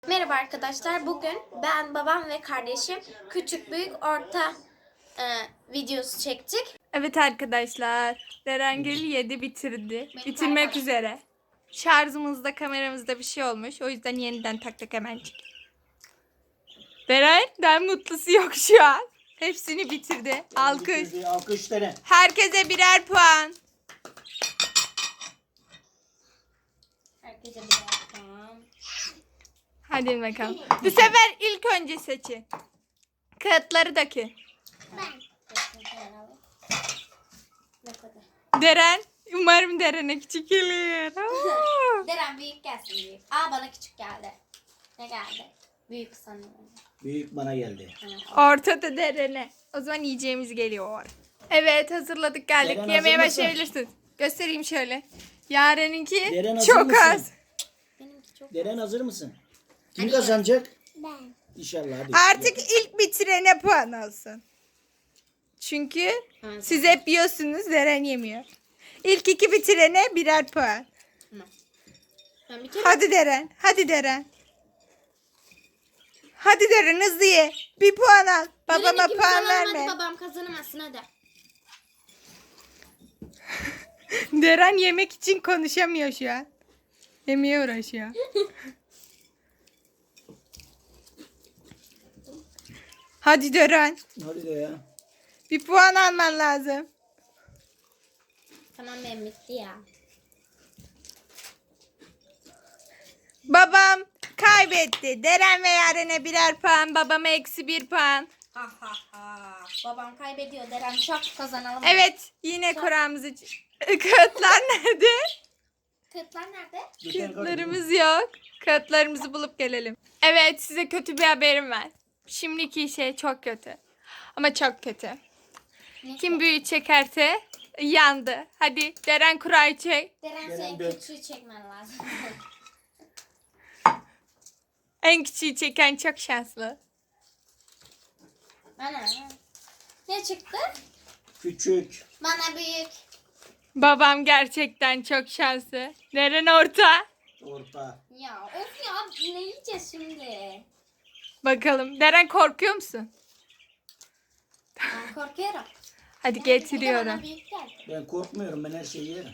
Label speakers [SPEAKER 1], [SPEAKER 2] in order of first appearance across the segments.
[SPEAKER 1] Merhaba arkadaşlar. Bugün ben, babam ve kardeşim küçük, büyük, orta videosu çektik.
[SPEAKER 2] Evet arkadaşlar. Derengil yedi bitirdi.
[SPEAKER 1] Benim
[SPEAKER 2] Bitirmek
[SPEAKER 1] kameram.
[SPEAKER 2] üzere. Şarjımızda kameramızda bir şey olmuş. O yüzden yeniden taktık hemencik. Deren'den mutlusu yok şu an. Hepsini bitirdi. Alkış.
[SPEAKER 3] Alkış dene.
[SPEAKER 2] Herkese birer puan.
[SPEAKER 1] Herkese bir bakalım.
[SPEAKER 2] Hadi bakalım. Bu sefer ilk önce seçin. Kağıtları dökün.
[SPEAKER 1] Ne kadar?
[SPEAKER 2] Deren. Umarım Deren'e küçük gelir. Oo.
[SPEAKER 1] Deren büyük gelsin büyük. Aa, bana küçük geldi. Ne geldi? Büyük sanıyorum.
[SPEAKER 3] Büyük bana geldi.
[SPEAKER 2] Ortada Deren'e. O zaman yiyeceğimiz geliyor. Evet, hazırladık geldik.
[SPEAKER 3] Deren
[SPEAKER 2] Yemeğe
[SPEAKER 3] hazır mısın?
[SPEAKER 2] başlayabilirsin. Göstereyim şöyle. Yaren'inki
[SPEAKER 3] Deren hazır
[SPEAKER 2] çok
[SPEAKER 3] mısın?
[SPEAKER 2] az.
[SPEAKER 1] Benimki çok.
[SPEAKER 3] Deren hazır mısın? Kim kazanacak?
[SPEAKER 1] Ben.
[SPEAKER 3] İnşallah hadi.
[SPEAKER 2] Artık ilk bitirene puan olsun. Çünkü
[SPEAKER 1] Evet.
[SPEAKER 2] siz hep yiyorsunuz, Deren yemiyor. İlk iki bitirene birer puan.
[SPEAKER 1] Ben bir kere
[SPEAKER 2] Hadi Deren, hadi Deren. Hadi Deren, hızlı ye. Bir puan al. Babama
[SPEAKER 1] Birini kim
[SPEAKER 2] puan
[SPEAKER 1] kazanamadı,
[SPEAKER 2] verme.
[SPEAKER 1] babam kazanamazsın hadi.
[SPEAKER 2] Deren yemek için konuşamıyor şu an. Yemeğe uğraşıyor. Hadi Deren.
[SPEAKER 3] Hadi de ya.
[SPEAKER 2] Bir puan alman lazım.
[SPEAKER 1] Tamam, benim bitti ya.
[SPEAKER 2] Babam kaybetti. Deren ve Yaren'e birer puan. Babama eksi bir puan.
[SPEAKER 1] Ha ha ha. Babam kaybediyor. Deren çok kazanalım.
[SPEAKER 2] Evet, yine kuramızı... Kağıtlar nerede?
[SPEAKER 1] Kağıtlar nerede?
[SPEAKER 2] Kağıtlarımız yok. Kağıtlarımızı bulup gelelim. Evet, size kötü bir haberim var. Şimdiki şey çok kötü. Ama çok kötü.
[SPEAKER 1] Ne?
[SPEAKER 2] Kim büyüğü çekerse yandı. Hadi Deren kurayı çek.
[SPEAKER 1] Deren
[SPEAKER 3] Deren
[SPEAKER 1] senin
[SPEAKER 3] dök.
[SPEAKER 1] küçüğü çekmen lazım.
[SPEAKER 2] En küçüğü çeken çok şanslı.
[SPEAKER 1] Ana. Ne çıktı?
[SPEAKER 3] Küçük.
[SPEAKER 1] Bana büyük.
[SPEAKER 2] Babam gerçekten çok şanslı. Deren orta.
[SPEAKER 3] Orta.
[SPEAKER 1] Ya of ya, ne yiyeceğiz şimdi?
[SPEAKER 2] Bakalım. Deren korkuyor musun?
[SPEAKER 1] Ben korkuyorum.
[SPEAKER 2] Hadi
[SPEAKER 1] Bir de bana
[SPEAKER 2] getiriyorum.
[SPEAKER 1] büyük geldi.
[SPEAKER 3] Ben korkmuyorum, ben her şeyi yerim.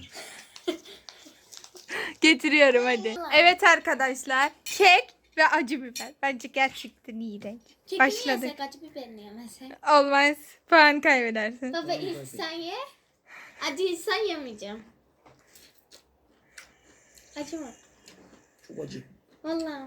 [SPEAKER 2] Getiriyorum hadi. Evet arkadaşlar. Kek ve acı biber. Bence gerçekten iğrenç.
[SPEAKER 1] Kekini
[SPEAKER 2] Başladık.
[SPEAKER 1] yesek, acı biberini yemesek.
[SPEAKER 2] Olmaz. Puan kaybedersin.
[SPEAKER 1] Baba ilk sen ye. Acıysa yemeyeceğim. Acı mı?
[SPEAKER 3] Çok acı.
[SPEAKER 1] Vallahi.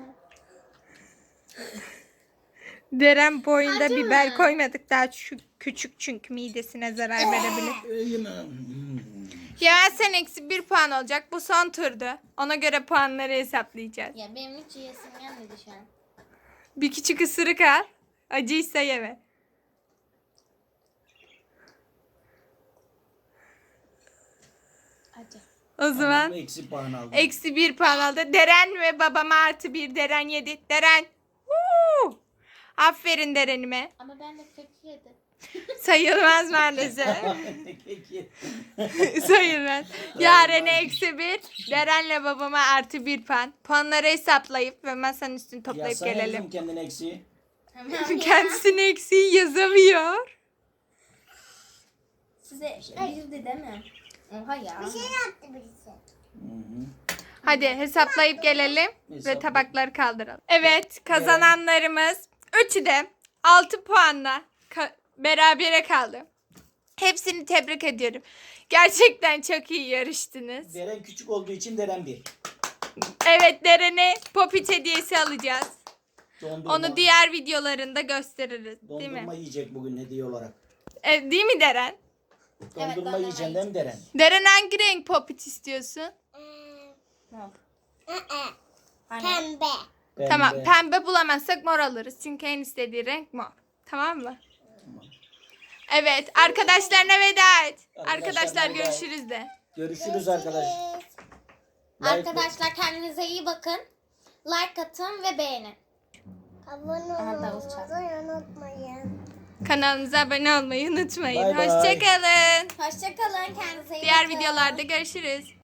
[SPEAKER 2] Deren boyunda
[SPEAKER 1] Acı
[SPEAKER 2] biber
[SPEAKER 1] mı?
[SPEAKER 2] koymadık. Daha küçük çünkü midesine zarar verebilir.
[SPEAKER 3] Yemem.
[SPEAKER 2] Ya sen eksi bir puan olacak. Bu son turdu. Ona göre puanları hesaplayacağız.
[SPEAKER 1] Ya benim hiç yesim gelmedi şu an.
[SPEAKER 2] Bir küçük ısırık al. Acıysa yeme.
[SPEAKER 1] Acı.
[SPEAKER 2] O zaman
[SPEAKER 3] Eksi puan aldım.
[SPEAKER 2] eksi bir puan aldı. Deren ve babama artı bir. Deren yedi. Deren. Woo! Aferin Deren'ime.
[SPEAKER 1] Ama ben de kek yedim.
[SPEAKER 2] Sayılmaz maalesef.
[SPEAKER 3] Peki.
[SPEAKER 2] Sayılmaz. Yaren'e eksi bir. Deren'le babama artı bir puan. Puanları hesaplayıp ve masanın üstünü toplayıp
[SPEAKER 3] Yazsana
[SPEAKER 2] gelelim.
[SPEAKER 3] kızım kendine eksi.
[SPEAKER 1] Tamam ya.
[SPEAKER 2] Kendisine eksiği yazamıyor.
[SPEAKER 1] Size bildi değil mi? Oha ya.
[SPEAKER 3] Hı hı.
[SPEAKER 2] Hadi hesaplayıp gelelim ve
[SPEAKER 3] Hesapla.
[SPEAKER 2] tabakları kaldıralım. Evet, kazananlarımız üçü de 6 puanla berabere kaldı. Hepsini tebrik ediyorum. Gerçekten çok iyi yarıştınız.
[SPEAKER 3] Deren küçük olduğu için Deren bir.
[SPEAKER 2] Evet, Deren'e popit hediyesi alacağız.
[SPEAKER 3] Dondurma.
[SPEAKER 2] Onu diğer videolarında gösteririz, değil
[SPEAKER 3] Dondurma
[SPEAKER 2] mi?
[SPEAKER 3] yiyecek bugün hediye olarak.
[SPEAKER 2] Değil mi Deren?
[SPEAKER 3] Dondurma
[SPEAKER 1] dondurma
[SPEAKER 3] yiyeceksin değil mi Deren?
[SPEAKER 2] Deren hangi renk popit istiyorsun?
[SPEAKER 1] Pembe.
[SPEAKER 2] Tamam,
[SPEAKER 3] Pembe.
[SPEAKER 2] pembe bulamazsak mor alırız. Çünkü en istediği renk mor. Tamam mı? Evet, arkadaşlarına veda et. Arkadaşlar
[SPEAKER 3] veda et.
[SPEAKER 2] görüşürüz de.
[SPEAKER 3] Görüşürüz arkadaş.
[SPEAKER 1] Arkadaşlar kendinize iyi bakın. Like atın ve beğenin.
[SPEAKER 4] Abone
[SPEAKER 1] Aha, davul çaldı.
[SPEAKER 4] olmayı unutmayın.
[SPEAKER 2] Kanalımıza abone olmayı unutmayın.
[SPEAKER 3] Bay bay.
[SPEAKER 2] Hoşçakalın.
[SPEAKER 1] Hoşçakalın. Kendinize iyi
[SPEAKER 2] Diğer
[SPEAKER 1] bakın.
[SPEAKER 2] videolarda görüşürüz.